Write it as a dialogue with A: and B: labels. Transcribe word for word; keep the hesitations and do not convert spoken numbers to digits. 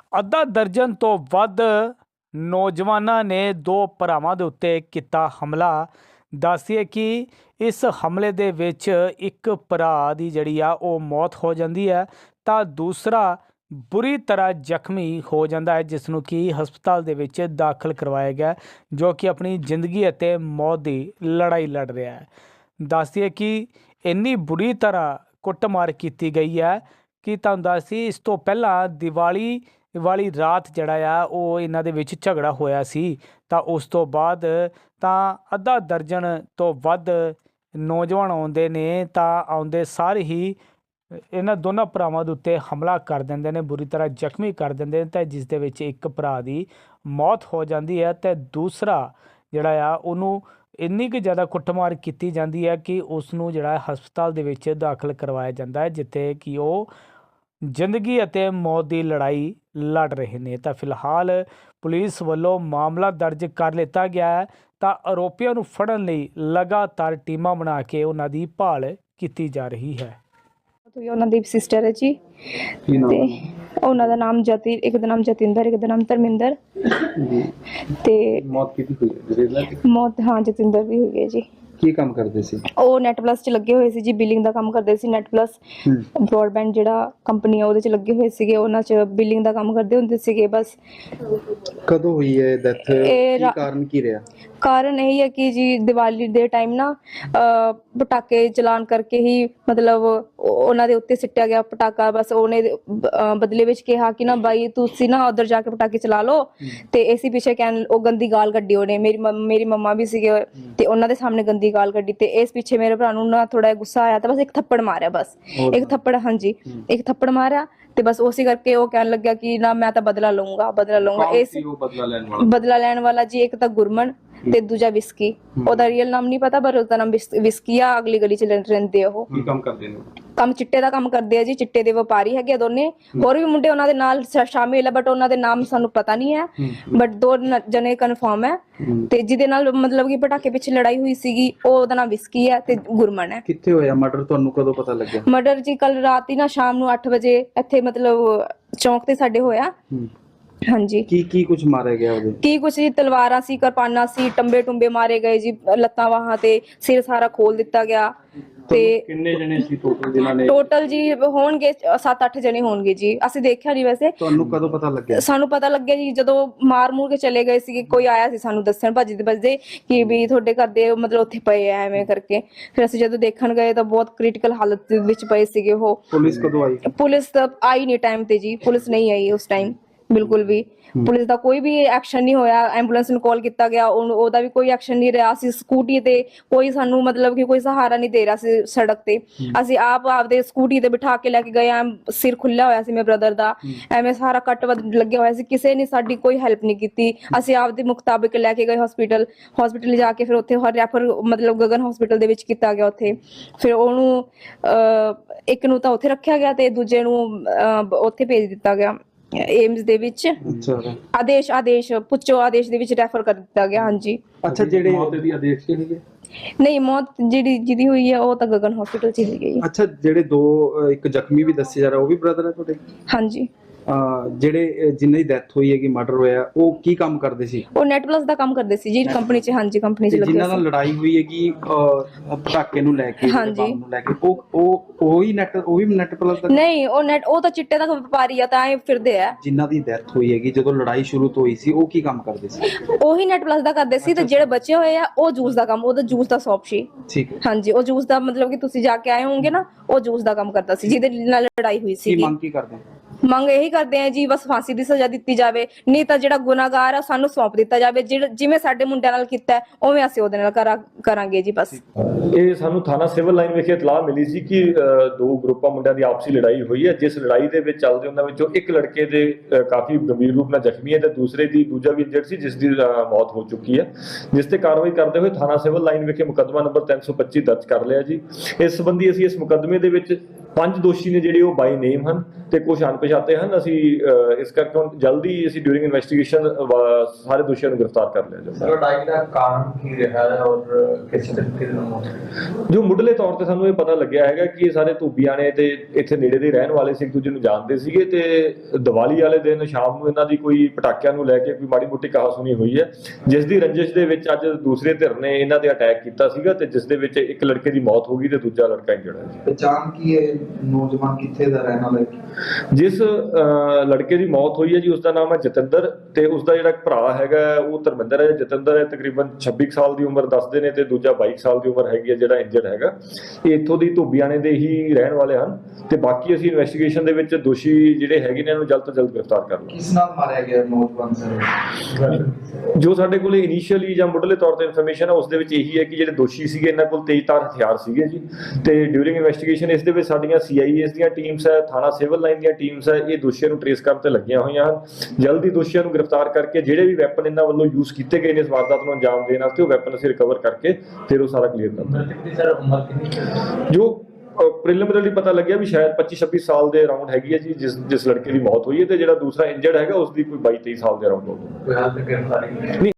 A: ਅੱਧਾ ਦਰਜਨ ਤੋਂ ਵੱਧ ਨੌਜਵਾਨਾਂ ਨੇ ਦੋ ਭਰਾਵਾਂ ਦੇ ਉੱਤੇ ਕੀਤਾ ਹਮਲਾ। ਦੱਸੀਏ ਕਿ ਇਸ ਹਮਲੇ ਦੇ ਵਿੱਚ ਇੱਕ ਭਰਾ ਦੀ ਜਿਹੜੀ ਆ ਉਹ ਮੌਤ ਹੋ ਜਾਂਦੀ ਹੈ ਤਾਂ ਦੂਸਰਾ ਬੁਰੀ ਤਰ੍ਹਾਂ ਜ਼ਖਮੀ ਹੋ ਜਾਂਦਾ ਹੈ, ਜਿਸ ਨੂੰ ਕਿ ਹਸਪਤਾਲ ਦੇ ਵਿੱਚ ਦਾਖਲ ਕਰਵਾਇਆ ਗਿਆ, ਜੋ ਕਿ ਆਪਣੀ ਜ਼ਿੰਦਗੀ ਅਤੇ ਮੌਤ ਦੀ ਲੜਾਈ ਲੜ ਰਿਹਾ ਹੈ। ਦੱਸੀਏ ਕਿ ਇੰਨੀ ਬੁਰੀ ਤਰ੍ਹਾਂ ਕੁੱਟਮਾਰ ਕੀਤੀ ਗਈ ਹੈ ਕਿ ਤੁਹਾਨੂੰ ਦੱਸੀ ਇਸ ਤੋਂ ਪਹਿਲਾਂ ਦੀਵਾਲੀ ਵਾਲੀ ਰਾਤ ਜਿਹੜਾ ਆ ਉਹ ਇਹਨਾਂ ਦੇ ਵਿੱਚ ਝਗੜਾ ਹੋਇਆ ਸੀ ਤਾਂ ਉਸ ਤੋਂ ਬਾਅਦ ਤਾਂ ਅੱਧਾ ਦਰਜਨ ਤੋਂ ਵੱਧ ਨੌਜਵਾਨ ਆਉਂਦੇ ਨੇ ਤਾਂ ਆਉਂਦੇ ਸਾਰੇ ਹੀ ਇਹਨਾਂ ਦੋਨਾਂ ਭਰਾਵਾਂ ਦੇ ਉੱਤੇ ਹਮਲਾ ਕਰ ਦਿੰਦੇ ਨੇ, ਬੁਰੀ ਤਰ੍ਹਾਂ ਜ਼ਖਮੀ ਕਰ ਦਿੰਦੇ ਨੇ, ਤਾਂ ਜਿਸ ਦੇ ਵਿੱਚ ਇੱਕ ਭਰਾ ਦੀ ਮੌਤ ਹੋ ਜਾਂਦੀ ਹੈ ਅਤੇ ਦੂਸਰਾ ਜਿਹੜਾ ਆ ਉਹਨੂੰ ਇੰਨੀ ਕੁ ਜ਼ਿਆਦਾ ਕੁੱਟਮਾਰ ਕੀਤੀ ਜਾਂਦੀ ਹੈ ਕਿ ਉਸ ਨੂੰ ਜਿਹੜਾ ਹਸਪਤਾਲ ਦੇ ਵਿੱਚ ਦਾਖਲ ਕਰਵਾਇਆ ਜਾਂਦਾ ਹੈ, ਜਿੱਥੇ ਕਿ ਉਹ ਜ਼ਿੰਦਗੀ ਅਤੇ ਮੌਤ ਦੀ ਲੜਾਈ ਲੜ ਰਹੇ ਨੇ। ਤਾਂ ਫਿਲਹਾਲ ਪੁਲਿਸ ਵੱਲੋਂ ਮਾਮਲਾ ਦਰਜ ਕਰ ਲਿੱਤਾ ਗਿਆ ਹੈ ਤਾਂ ਆਰੋਪੀਆਂ ਨੂੰ ਫੜਨ ਲਈ ਲਗਾਤਾਰ ਟੀਮਾਂ ਬਣਾ ਕੇ ਉਹਨਾਂ ਦੀ ਭਾਲ ਕੀਤੀ ਜਾ ਰਹੀ ਹੈ।
B: ਉਹਨਾਂ ਦੀ ਸਿਸਟਰ ਹੈ ਜੀ ਤੇ ਉਹਨਾਂ ਦਾ ਨਾਮ ਜਤੀ ਇੱਕ ਦਾ ਨਾਮ ਜਤਿੰਦਰ, ਇੱਕ ਦਾ ਨਾਮ ਧਰਮਿੰਦਰ ਤੇ ਮੌਤ ਕੀਤੀ ਹੋਈ ਹੈ। ਮੌਤ ਹਾਂ ਜਤਿੰਦਰ ਦੀ ਹੋਈ ਹੈ ਜੀ।
C: ਕੀ ਕੰਮ ਕਰਦੇ ਸੀ
B: ਉਹ ਨੈਟ ਪਲੱਸ ਚ ਲੱਗੇ ਹੋਏ ਸੀ ਜੀ, ਬਿਲਿੰਗ ਦਾ ਕੰਮ ਕਰਦੇ ਸੀ। ਨੈਟ ਪਲੱਸ ਬ੍ਰੌਡਬੈਂਡ ਜਿਹੜਾ ਕੰਪਨੀ ਆ ਉਹਦੇ ਚ ਲੱਗੇ ਹੋਏ ਸੀਗੇ, ਉਹਨਾਂ ਚ ਬਿਲਿੰਗ ਦਾ ਕੰਮ ਕਰਦੇ ਹੁੰਦੇ ਸੀਗੇ। ਬਸ
C: ਕਦੋਂ ਹੋਈ ਹੈ ਡੈਥ? ਕੀ ਕਾਰਨ ਕੀ ਰਿਹਾ?
B: ਕਾਰਨ ਇਹ ਹੈ ਕਿ ਜੀ ਦੀਵਾਲੀ ਦੇ ਟਾਈਮ ਨਾ ਪਟਾਕੇ ਚਲਾਨ ਕਰਕੇ ਹੀ ਮਤਲਬ ਉਹਨਾਂ ਦੇ ਉੱਤੇ ਸਿੱਟਿਆ ਗਿਆ ਪਟਾਕਾ। ਬਸ ਉਹਨੇ ਬਦਲੇ ਵਿੱਚ ਕਿਹਾ ਕਿ ਨਾ ਬਾਈ ਤੁਸੀਂ ਨਾ ਉਧਰ ਜਾ ਕੇ ਪਟਾਕੇ ਚਲਾ ਲਓ, ਤੇ ਇਸੇ ਪਿੱਛੇ ਕਹਿਣ ਉਹ ਗੰਦੀ ਗਾਲ ਕੱਢੀ ਉਹਨੇ। ਮੇਰੀ ਮੇਰੀ ਮੰਮਾ ਵੀ ਸੀਗੇ ਤੇ ਉਹਨਾਂ ਦੇ ਸਾਹਮਣੇ ਗੰਦੀ ਗਾਲ ਕੱਢੀ, ਤੇ ਇਸ ਪਿੱਛੇ ਮੇਰੇ ਭਰਾ ਨੂੰ ਨਾ ਥੋੜਾ ਗੁੱਸਾ ਆਇਆ ਤਾਂ ਬਸ ਇੱਕ ਥੱਪੜ ਮਾਰਿਆ। ਬਸ ਇੱਕ ਥੱਪੜ, ਹਾਂਜੀ ਇੱਕ ਥੱਪੜ ਮਾਰਿਆ ਤੇ ਬਸ ਉਸੇ ਕਰਕੇ ਉਹ ਕਹਿਣ ਲੱਗਿਆ ਕਿ ਨਾ ਮੈਂ ਤਾਂ ਬਦਲਾ ਲਊਂਗਾ ਬਦਲਾ ਲਊਂਗਾ। ਇਸ ਬਦਲਾ ਲੈਣ ਵਾਲਾ ਜੀ ਇੱਕ ਤਾਂ ਗੁਰਮਨ ਤੇ ਦੂਜਾ ਵਿਸਕੀ। ਉਹਦਾ ਰੀਅਲ ਨਾਮ ਨਹੀਂ ਪਤਾ ਪਰ ਉਹਦਾ ਨਾਮ ਵਿਸਕੀ ਆ। ਅਗਲੀ ਗਲੀ ਚ ਰਹਿੰਦੇ ਉਹ।
C: ਕੀ ਕੰਮ ਕਰਦੇ ਨੇ?
B: ਕੰਮ ਚਿੱਟੇ ਦਾ ਕੰਮ ਕਰਦੇ ਆ ਜੀ, ਚਿੱਟੇ ਦੇ ਵਪਾਰੀ ਹੈਗੇ ਆ ਦੋਨੇ। ਹੋਰ ਵੀ ਮੁੰਡੇ ਉਹਨਾਂ ਦੇ ਨਾਲ ਸ਼ਾਮਿਲ ਆ ਬਟ ਉਹਨਾਂ ਦੇ ਨਾਮ ਸਾਨੂੰ ਪਤਾ ਨਹੀਂ ਹੈ, ਬਟ ਦੋ ਜਣੇ ਕਨਫਰਮ ਹੈ। ਤੇ ਜਿਹਦੇ ਨਾਲ ਮਤਲਬ ਕਿ ਪਟਾਕੇ ਪਿੱਛੇ ਲੜਾਈ ਹੋਈ ਸੀਗੀ ਉਹਦਾ ਨਾਮ ਵਿਸਕੀ ਹੈ ਤੇ ਗੁਰਮਨ ਹੈ।
C: ਕਿੱਥੇ ਹੋਇਆ ਮਰਡਰ? ਤੁਹਾਨੂੰ ਕਦੋਂ ਪਤਾ ਲੱਗਿਆ?
B: ਮਰਡਰ ਜੀ ਕੱਲ ਰਾਤ ਹੀ ਨਾ ਸ਼ਾਮ ਨੂੰ ਅੱਠ ਵਜੇ ਇੱਥੇ ਮਤਲਬ ਚੌਂਕ ਤੇ ਸਾਡੇ ਹੋਇਆ। ਹਾਂਜੀ। ਕੀ
C: ਕੀ ਕੁਝ ਮਾਰਿਆ ਗਿਆ ਉਹਦੇ?
B: ਕੀ ਕੁਝ ਜੀ, ਤਲਵਾਰਾਂ ਸੀ, ਕਿਰਪਾਨਾਂ ਸੀ, ਟੰਬੇ ਟੁੰਬੇ ਮਾਰੇ ਗਏ ਜੀ, ਲੱਤਾਂ ਬਾਹਾਂ ਤੇ ਸਿਰ ਸਾਰਾ ਖੋਲ ਦਿੱਤਾ ਗਿਆ। ਤੇ
C: ਕਿੰਨੇ ਜਣੇ ਸੀ ਟੋਟਲ ਜਿਨ੍ਹਾਂ ਨੇ?
B: ਟੋਟਲ ਜੀ ਹੋਣਗੇ ਸੱਤ ਅੱਠ ਜਣੇ ਹੋਣਗੇ ਜੀ, ਅਸੀਂ ਦੇਖਿਆ ਨਹੀਂ ਵੈਸੇ।
C: ਤੁਹਾਨੂੰ ਕਦੋਂ ਪਤਾ ਲੱਗਿਆ?
B: ਸਾਨੂੰ ਪਤਾ ਲੱਗਿਆ ਜੀ ਜਦੋਂ ਮਾਰ ਮੂਰ ਕੇ ਚਲੇ ਗਏ ਸੀਗੇ, ਕੋਈ ਆਇਆ ਸੀ ਸਾਨੂੰ ਦੱਸਣ ਭੱਜਦੇ ਭੱਜਦੇ ਕਿ ਵੀ ਤੁਹਾਡੇ ਘਰ ਦੇ ਮਤਲਬ ਉੱਥੇ ਪਏ ਆ ਐਵੇਂ ਕਰਕੇ। ਫਿਰ ਅਸੀਂ ਜਦੋਂ ਦੇਖਣ ਗਏ ਤਾਂ ਬਹੁਤ ਕ੍ਰਿਟੀਕਲ ਹਾਲਤ ਦੇ ਵਿੱਚ ਪਏ ਸੀਗੇ ਉਹ।
C: ਪੁਲਿਸ ਕਦੋਂ ਆਈ?
B: ਪੁਲਿਸ ਤਾਂ ਆਈ ਨਹੀਂ ਟਾਈਮ ਤੇ ਜੀ, ਪੁਲਿਸ ਨਹੀਂ ਆਈ ਉਸ ਟਾਈਮ ਬਿਲਕੁਲ ਵੀ। ਪੁਲਿਸ ਦਾ ਕੋਈ ਵੀ ਐਕਸ਼ਨ ਨਹੀਂ ਹੋਇਆ। ਐਂਬੂਲੈਂਸ ਨੂੰ ਕਾਲ ਕੀਤਾ ਗਿਆ, ਉਹਦਾ ਵੀ ਕੋਈ ਐਕਸ਼ਨ ਨਹੀਂ ਰਿਹਾ। ਅਸੀਂ ਸਕੂਟੀ ਤੇ ਕੋਈ ਸਾਨੂੰ ਮਤਲਬ ਕਿ ਕੋਈ ਸਹਾਰਾ ਨਹੀਂ ਦੇ ਰਿਹਾ ਸੀ ਸੜਕ ਤੇ। ਅਸੀਂ ਆਪ ਆਪਦੇ ਸਕੂਟੀ ਤੇ ਬਿਠਾ ਕੇ ਲੈ ਕੇ ਗਏ ਆ। ਸਿਰ ਖੁੱਲਿਆ ਹੋਇਆ ਸੀ ਮੇਰੇ ਬ੍ਰਦਰ ਦਾ, ਐਵੇਂ ਸਾਰਾ ਕੱਟ ਲੱਗਿਆ ਹੋਇਆ ਸੀ। ਕਿਸੇ ਨੇ ਸਾਡੀ ਕੋਈ ਹੈਲਪ ਨਹੀਂ ਕੀਤੀ। ਅਸੀਂ ਆਪਦੇ ਮੁਤਾਬਿਕ ਲੈ ਕੇ ਗਏ ਹਸਪੀਟਲ। ਹਸਪੀਟਲ ਜਾ ਕੇ ਫਿਰ ਉੱਥੇ ਰੈਫਰ ਮਤਲਬ ਗਗਨ ਹਸਪੀਟਲ ਦੇ ਵਿੱਚ ਕੀਤਾ ਗਿਆ। ਉੱਥੇ ਫਿਰ ਉਹਨੂੰ ਇੱਕ ਨੂੰ ਤਾਂ ਉੱਥੇ ਰੱਖਿਆ ਗਿਆ ਤੇ ਦੂਜੇ ਨੂੰ ਉੱਥੇ ਭੇਜ ਦਿੱਤਾ ਗਿਆ ਏਮਸ ਦੇ ਵਿੱਚ। ਆਦੇਸ਼ ਆਦੇਸ਼ ਪੁੱਛੋ ਆਦੇਸ਼ ਦੇ ਵਿੱਚ ਰੈਫਰ ਕਰ ਦਿੱਤਾ ਗਿਆ। ਹਾਂਜੀ।
C: ਅੱਛਾ, ਜਿਹੜੇ ਮੌਤ ਦੀ ਆਦੇਸ਼ ਕੀ ਹੋਈ ਹੈ?
B: ਨਹੀਂ, ਮੌਤ ਜਿਹੜੀ ਜਿਹਦੀ ਹੋਈ ਹੈ ਉਹ ਤਾਂ ਗਗਨ ਹਸਪੀਟਲ ਚ ਹੀ ਗਈ।
C: ਅੱਛਾ, ਜਿਹੜੇ ਦੋ ਇੱਕ ਜ਼ਖਮੀ ਵੀ ਦੱਸੇ ਜਾ ਰਿਹਾ ਉਹ ਵੀ ਬ੍ਰਦਰ ਹੈ ਤੁਹਾਡੇ?
B: ਹਾਂਜੀ।
C: ਜਿਹੜੇ ਜਿਨ੍ਹਾਂ ਦੀ ਡੈਥ ਹੋਈ ਹੈ ਕਿ ਮਰਡਰ ਹੋਇਆ ਉਹ ਕੀ ਕੰਮ ਕਰਦੇ ਸੀ?
B: ਉਹ ਨੈਟ ਪਲੱਸ ਦਾ ਕੰਮ ਕਰਦੇ ਸੀ ਜੀ ਕੰਪਨੀ ਚ। ਹਾਂਜੀ, ਕੰਪਨੀ ਚ ਲੱਗੇ ਸੀ।
C: ਜਿਨ੍ਹਾਂ ਨਾਲ ਲੜਾਈ ਹੋਈ ਹੈ ਕਿ ਪਟਾਕੇ ਨੂੰ ਲੈ ਕੇ, ਬੰਬ ਨੂੰ ਲੈ ਕੇ, ਉਹ ਉਹ ਉਹੀ ਨੈਟ ਉਹ ਵੀ ਨੈਟ ਪਲੱਸ ਦਾ?
B: ਨਹੀਂ, ਉਹ ਨੈਟ ਉਹ ਤਾਂ ਚਿੱਟੇ ਦਾ ਵਪਾਰੀ ਆ ਤਾਂ ਐ ਫਿਰਦੇ ਆ।
C: ਜਿਨ੍ਹਾਂ ਦੀ ਡੈਥ ਹੋਈ ਹੈਗੀ ਜਦੋਂ ਲੜਾਈ ਸ਼ੁਰੂ ਤੋਂ ਹੋਈ ਸੀ ਉਹ ਕੀ ਕੰਮ ਕਰਦੇ ਸੀ?
B: ਉਹੀ ਨੈਟ ਪਲੱਸ ਦਾ ਕਰਦੇ ਸੀ। ਤੇ ਜਿਹੜੇ ਬਚੇ ਹੋਏ ਆ ਉਹ ਜੂਸ ਦਾ ਕੰਮ, ਉਹਦਾ ਜੂਸ ਦਾ ਸ਼ੌਪ ਸੀ।
C: ਠੀਕ ਹੈ।
B: ਹਾਂਜੀ, ਉਹ ਜੂਸ ਦਾ ਮਤਲਬ ਕਿ ਤੁਸੀਂ ਜਾ ਕੇ ਆਏ ਹੋਵੋਗੇ ਨਾ, ਉਹ ਜੂਸ ਦਾ ਕੰਮ ਕਰਦਾ ਸੀ ਜਿਹਦੇ ਨਾਲ ਲੜਾਈ ਹੋਈ ਸੀ।
C: ਕੀ ਮੰਗ ਕੀ ਕਰਦੇ?
B: ਮੰਗ ਇਹੀ ਕਰਦੇ ਆ ਜੀ ਬਸ ਫਾਂਸੀ ਦੀ ਸਜ਼ਾ ਦਿੱਤੀ ਜਾਵੇ, ਨਹੀਂ ਤਾਂ ਜਿਹੜਾ ਗੁਨਾਹਗਾਰ ਆ ਸਾਨੂੰ ਸੌਂਪ ਦਿੱਤਾ ਜਾਵੇ। ਜਿਵੇਂ ਸਾਡੇ ਮੁੰਡਿਆਂ ਨਾਲ ਕੀਤਾ ਉਵੇਂ ਅਸੀਂ ਉਹਦੇ ਨਾਲ ਕਰਾਂਗੇ ਜੀ। ਬਸ
D: ਇਹ ਸਾਨੂੰ ਥਾਣਾ ਸਿਵਲ ਲਾਈਨ ਵਿਖੇ ਇਤਲਾਹ ਮਿਲੀ ਸੀ ਕਿ ਦੋ ਗਰੁੱਪਾਂ ਮੁੰਡਿਆਂ ਦੀ ਆਪਸੀ ਲੜਾਈ ਹੋਈ ਹੈ, ਜਿਸ ਲੜਾਈ ਦੇ ਵਿੱਚ ਚੱਲਦੇ ਉਹਨਾਂ ਵਿੱਚੋਂ ਇੱਕ ਲੜਕੇ ਦੇ ਕਾਫੀ ਗੰਭੀਰ ਰੂਪ ਨਾਲ ਜ਼ਖਮੀ ਹੈ ਤੇ ਦੂਸਰੇ ਦੀ ਦੂਜਾ ਵੀ ਇੰਜਰਡ ਸੀ ਜਿਸ ਦੀ ਮੌਤ ਹੋ ਚੁੱਕੀ ਹੈ, ਜਿਸ ਤੇ ਕਾਰਵਾਈ ਕਰਦੇ ਹੋਏ ਥਾਣਾ ਸਿਵਲ ਲਾਈਨ ਵਿਖੇ ਮੁਕੱਦਮਾ ਨੰਬਰ ਤਿੰਨ ਸੌ ਪੱਚੀ ਦਰਜ ਕਰ ਲਿਆ ਜੀ। ਇਸ ਸੰਬੰਧੀ ਅਸੀਂ ਇਸ ਮੁਕੱਦਮੇ ਦੇ ਵਿੱਚ ਪੰਜ ਦੋਸ਼ੀ ਨੇ ਜਿਹੜੇ ਉਹ ਬਾਈ ਨੇਮ ਹਨ ਤੇ ਕੁਝ ਅਣਪਛਾਤੇ ਹਨ। ਅਸੀਂ ਅਹ, ਇਸ ਕਰਕੇ ਹੁਣ ਜਲਦੀ ਅਸੀਂ ਡਿਊਰਿੰਗ ਇਨਵੈਸਟੀਗੇਸ਼ਨ ਸਾਰੇ ਦੋਸ਼ੀਆਂ ਨੂੰ ਗ੍ਰਿਫਤਾਰ ਕਰ ਲਿਆ ਜਾਊਗਾ।
E: ਲੜਾਈ ਦਾ ਕਾਰਨ ਕੀ ਰਿਹਾ ਹੈ ਔਰ ਕਿਸ ਤਰੀਕੇ ਦੇ ਨਾਲ
D: ਜੋ ਮੁੱਢਲੇ ਤੌਰ ਤੇ ਸਾਨੂੰ ਇਹ ਪਤਾ ਲੱਗਿਆ ਹੈਗਾ ਕਿ ਇਹ ਸਾਰੇ ਧੂਬੀਆਂ ਨੇ ਤੇ ਇੱਥੇ ਨੇੜੇ ਦੇ ਰਹਿਣ ਵਾਲੇ ਸੀ, ਇੱਕ ਦੂਜੇ ਨੂੰ ਜਾਣਦੇ ਸੀਗੇ ਤੇ ਦੀਵਾਲੀ ਵਾਲੇ ਦਿਨ ਸ਼ਾਮ ਨੂੰ ਇਹਨਾਂ ਦੀ ਕੋਈ ਪਟਾਕਿਆਂ ਨੂੰ ਲੈ ਕੇ ਕੋਈ ਮਾੜੀ ਮੋਟੀ ਕਹਾਸੁਣੀ ਹੋਈ ਹੈ, ਜਿਸ ਦੀ ਰੰਜਿਸ਼ ਦੇ ਵਿੱਚ ਅੱਜ ਦੂਸਰੇ ਧਿਰ ਨੇ ਇਹਨਾਂ ਤੇ ਅਟੈਕ ਕੀਤਾ ਸੀਗਾ ਤੇ ਜਿਸ ਦੇ ਵਿੱਚ ਇੱਕ ਲੜਕੇ ਦੀ ਮੌਤ ਹੋ ਗਈ ਤੇ ਦੂਜਾ ਲੜਕਾ ਇੰਜਰਡ ਹੈ।
F: ਪਛਾਣ ਕੀ ਹੈ ਨੌਜਵਾਨ ਕਿੱਥੇ ਦਾ ਰਹਿਣ ਵਾਲਾ ਹੈ?
D: ਜਿਸ ਅਹ, ਲੜਕੇ ਦੀ ਮੌਤ ਹੋਈ ਹੈ ਜੀ ਉਸ ਦਾ ਨਾਮ ਹੈ ਜਤਿੰਦਰ ਤੇ ਉਸ ਦਾ ਜਿਹੜਾ ਭਰਾ ਹੈਗਾ ਉਹ ਧਰਮਿੰਦਰ ਹੈ। ਜਤਿੰਦਰ ਹੈ ਤਕਰੀਬਨ ਛੱਬੀ ਕੁ ਸਾਲ ਦੀ ਉਮਰ ਦੱਸਦੇ ਨੇ ਤੇ ਦੂਜਾ ਬਾਈ ਸਾਲ ਦੀ ਉਮਰ ਹੈਗੀ ਹੈ ਜਿਹੜਾ ਇੰਜਰਡ ਹੈਗਾ। ਇਹ ਇੱਥੋਂ ਦੀ ਧੂਬੀਆਣੇ ਦੇ ਹੀ ਰਹਿਣ ਵਾਲੇ ਹਨ ਤੇ ਬਾਕੀ ਅਸੀਂ ਇਨਵੈਸਟੀਗੇਸ਼ਨ ਦੇ ਵਿੱਚ ਦੋਸ਼ੀ ਜਿਹੜੇ ਹੈਗੇ ਨੇ ਇਹਨਾਂ ਨੂੰ ਜਲਦ ਤੋਂ ਜਲਦ ਗ੍ਰਿਫਤਾਰ ਕਰ ਲਵਾਂਗੇ।
F: ਕਿਸ ਨਾਲ ਮਾਰਿਆ ਗਿਆ ਨੌਜਵਾਨ ਸਰ?
D: ਜੋ ਸਾਡੇ ਕੋਲ ਇਨੀਸ਼ੀਅਲੀ ਜਾਂ ਮੁੱਢਲੇ ਤੌਰ ਤੇ ਇਨਫੋਰਮੇਸ਼ਨ ਹੈ ਉਸ ਦੇ ਵਿੱਚ ਇਹੀ ਹੈ ਕਿ ਜਿਹੜੇ ਦੋਸ਼ੀ ਸੀਗੇ ਇਹਨਾਂ ਕੋਲ ਤੇਜ਼ਧਾਰ ਹਥਿਆਰ ਸੀਗੇ ਜੀ ਤੇ ਡਿਊਰਿੰਗ ਇਨਵੈਸਟੀਗੇਸ਼ਨ ਇਸ ਦੇ ਵਿੱਚ ਸਾਡੀਆਂ ਸੀ ਆਈ ਏਸ ਦੀਆਂ ਟੀਮਸ ਹੈ, ਥਾਣਾ ਸਿਵਲ ਲਾਈਨ ਦੀਆਂ ਟੀਮਸ ਹੈ, ਇਹ ਦੋਸ਼ੀਆਂ ਨੂੰ ਟ੍ਰੇਸ ਕਰਨ ਤੇ ਲੱਗੀਆਂ ਹੋਈਆਂ ਹਨ। ਜਲਦੀ ਦੋਸ਼ੀਆਂ ਨੂੰ ਗ੍ਰਿਫਤਾਰ ਕਰਕੇ ਜਿਹੜੇ ਵੀ ਵੈਪਨ ਇਹਨਾਂ ਵੱਲੋਂ ਯੂਜ਼ ਕੀਤੇ ਗਏ ਨੇ ਇਸ ਵਾਰਦਾਤ ਨੂੰ ਅੰਜਾਮ ਦੇਣ ਵਾਸਤੇ ਉਹ ਵੈਪਨ ਅਸੀਂ ਰਿਕਵਰ ਕਰਕੇ ਫਿਰ ਉਹ ਸਾਰਾ ਕਲੀਅਰ ਕਰ ਦਾਂਗੇ।
E: ਸਰ ਉਮਰ ਕਿੰਨੀ?
D: ਜੋ ਪ੍ਰੀਲਿਮਿਨਰੀ ਪਤਾ ਲੱਗਿਆ ਵੀ ਸ਼ਾਇਦ ਪੱਚੀ ਛੱਬੀ ਸਾਲ ਦੇ ਅਰਾਊਂਡ ਹੈਗੀ ਹੈ ਜੀ ਜਿਸ ਜਿਸ ਲੜਕੇ ਦੀ ਮੌਤ ਹੋਈ ਹੈ ਤੇ ਜਿਹੜਾ ਦੂਸਰਾ ਇੰਜਰਡ ਹੈਗਾ ਉਸ ਦੀ ਕੋਈ ਬਾਈ ਤੇਈ ਸਾਲ ਦੇ ਅਰਾਊਂਡ ਹੋਊਗਾ।
E: ਕੋਈ ਹਾਲ ਤੱਕ ਗ੍ਰਿਫਤਾਰੀ ਨਹੀਂ?
D: ਨਹੀਂ